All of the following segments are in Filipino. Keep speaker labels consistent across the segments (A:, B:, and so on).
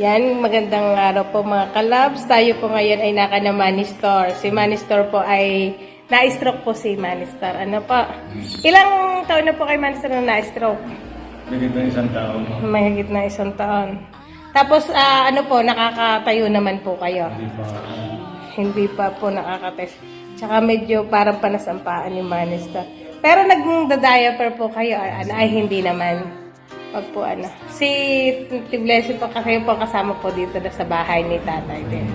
A: Yan, magandang araw po mga kalabs. Tayo po ngayon ay naka na Money Store. Si Money Store po ay na-stroke po si Money Store. Ano po? Ilang taon na po kay Money Store na na-stroke?
B: Mahigit na isang taon.
A: Mahigit na isang taon. Tapos ano po, nakakatayo naman po kayo? Hindi pa po nakakatayo. Tsaka medyo parang panasampaan yung Money Store. Pero nagda-diaper po kayo ay hindi naman. Pag po si Blessing po kasi po kasama po dito na sa bahay ni tatay din.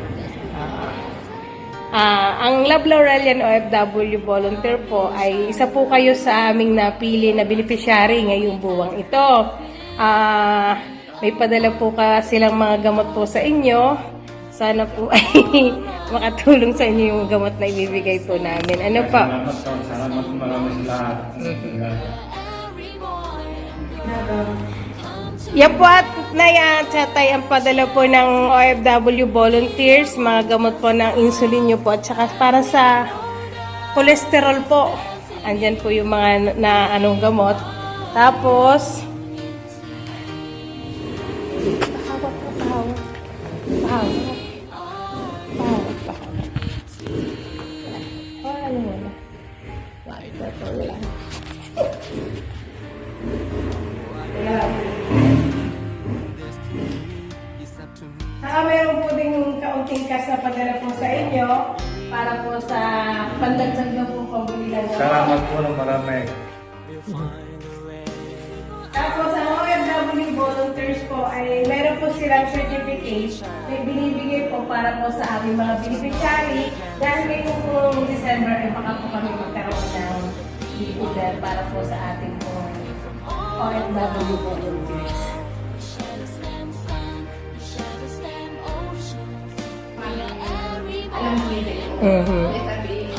A: Ang Love Laurelian OFW volunteer po ay isa po kayo sa aming napili na beneficiary ngayong buwang ito. May padala po silang mga gamot po sa inyo. Sana po ay makatulong sa inyo yung gamot na ibibigay po namin. Ano pa?
B: Salamat marami sa lahat.
A: Yan po at nayachatay ang padala po ng OFW volunteers, mga gamot po ng insulin nyo po at saka para sa cholesterol po. Andyan po yung mga gamot. Tapos, saka mayroon po din kaunting cash na padala po sa inyo para po sa pandagdag na po pabuli ng
B: Salamat po ng marami.
A: Tapos ang OFW volunteers po ay meron po silang certificate na binibigay po para po sa aming mga beneficiary dahil ngayong po December ay baka po kami magkaroon ng order para po sa ating po OFW volunteers.
C: Alam mo yun eh. May sabi,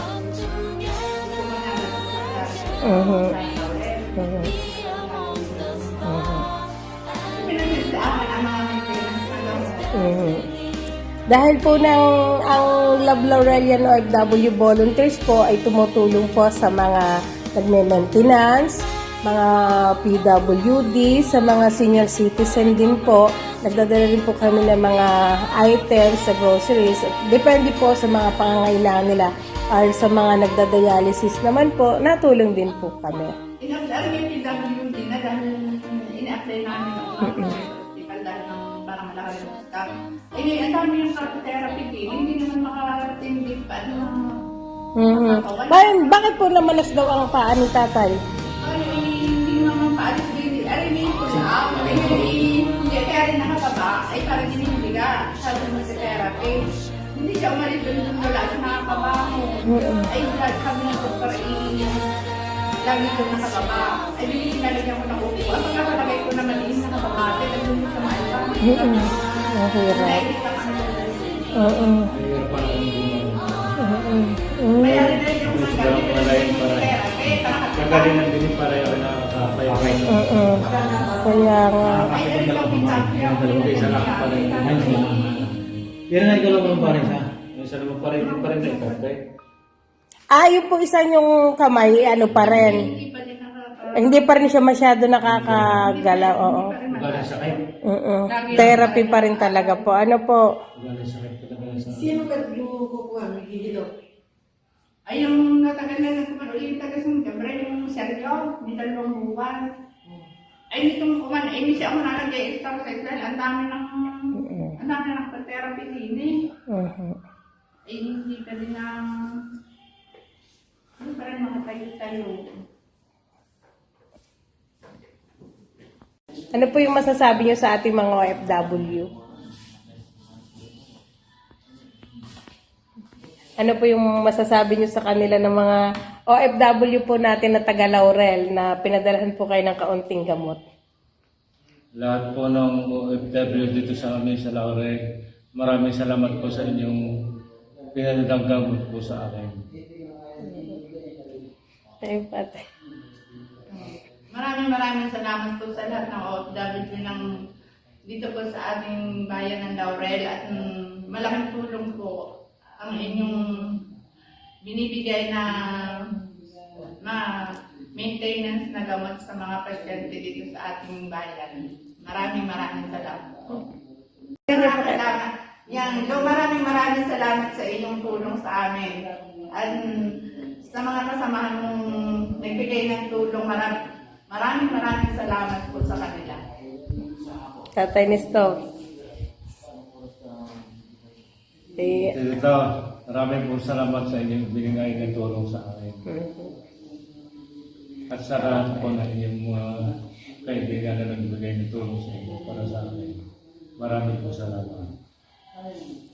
A: Dahil po ang Love Laurelian OFW volunteers po ay tumutulong po sa mga nagme-maintenance, mga PWD, sa mga senior citizen din po. Nagdadala rin po kami ng mga items sa groceries. Depende po sa mga pangangailangan nila. Or sa mga nagdadialysis naman po, natulong din po kami.
C: alam yung PWD na dahil ina-apply namin ng hospital dahil ng parang malaki yung staff. Eh, ang dami yung therapy din, hindi naman makatindi pa.
A: Bakit po namalas daw ang paa ni tatay?
C: Ay, hindi naman paalis din. Arinig ko na. Hindi, kaya rin nakababa. Ay, parang hinihiga. Sabi mo sa therapy. Hindi siya umalis doon wala siya nakabaho. Ay, sabi ng doktor, lagi ko nakababa. Ay, binilagyan ko ng upo. Ang pagkakalagay ko naman nakababa. Ay, nagdun sa maiba.
A: Mahirap.
C: Kaya rin yung
B: Kagalingan din para yung nakakapayapay.
A: Kaya nga.
B: Isa lang pa rin.
D: Yan na ikaw lang pa rin sa.
B: Isa naman pa rin na ikapay.
A: Yung po isa yung kamay, pa rin. Hindi pa rin siya masyado nakakagalaw. Oo.
B: Galing sakit.
A: Therapy pa rin talaga po. Ano po?
B: Galing sakit talaga sa...
E: Sino ka kukuha? Dito?
C: ay, yung natagal na yung taga-Sungkabra, yung Sergio, may 2 buwan. Ay, nitong kuman, hindi siya ako nalagay exercise dahil ang dami ng therapy din eh. Ay, hindi ka din hindi pa rin makatayo-tayo.
A: Ano po yung masasabi niyo sa ating mga OFW? Ano po yung masasabi niyo sa kanila ng mga OFW po natin na taga Laurel na pinadalahan po kayo ng kaunting gamot?
B: Lahat po ng OFW dito sa amin sa Laurel, maraming salamat po sa inyong pinadagdagan po sa akin.
A: Ay, pati.
C: Maraming salamat po sa lahat ng OFW ng dito po sa ating bayan ng Laurel at malaking tulong po ang inyong binibigay na maintenance na gamot sa mga pasyente dito sa ating bayan. Maraming salamat. Salamat. Yan, maraming salamat sa inyong tulong sa amin. At sa mga kasamahan mong nagbigay ng tulong, maraming salamat po sa kanila.
A: Tatay Nestor. Eh,
B: Ito, maraming po salamat sa inyong binigay ng tulong sa akin. At sa lahat po na inyong mga kaibigan na nagbigay ng tulong sa inyo para sa akin. Maraming po salamat.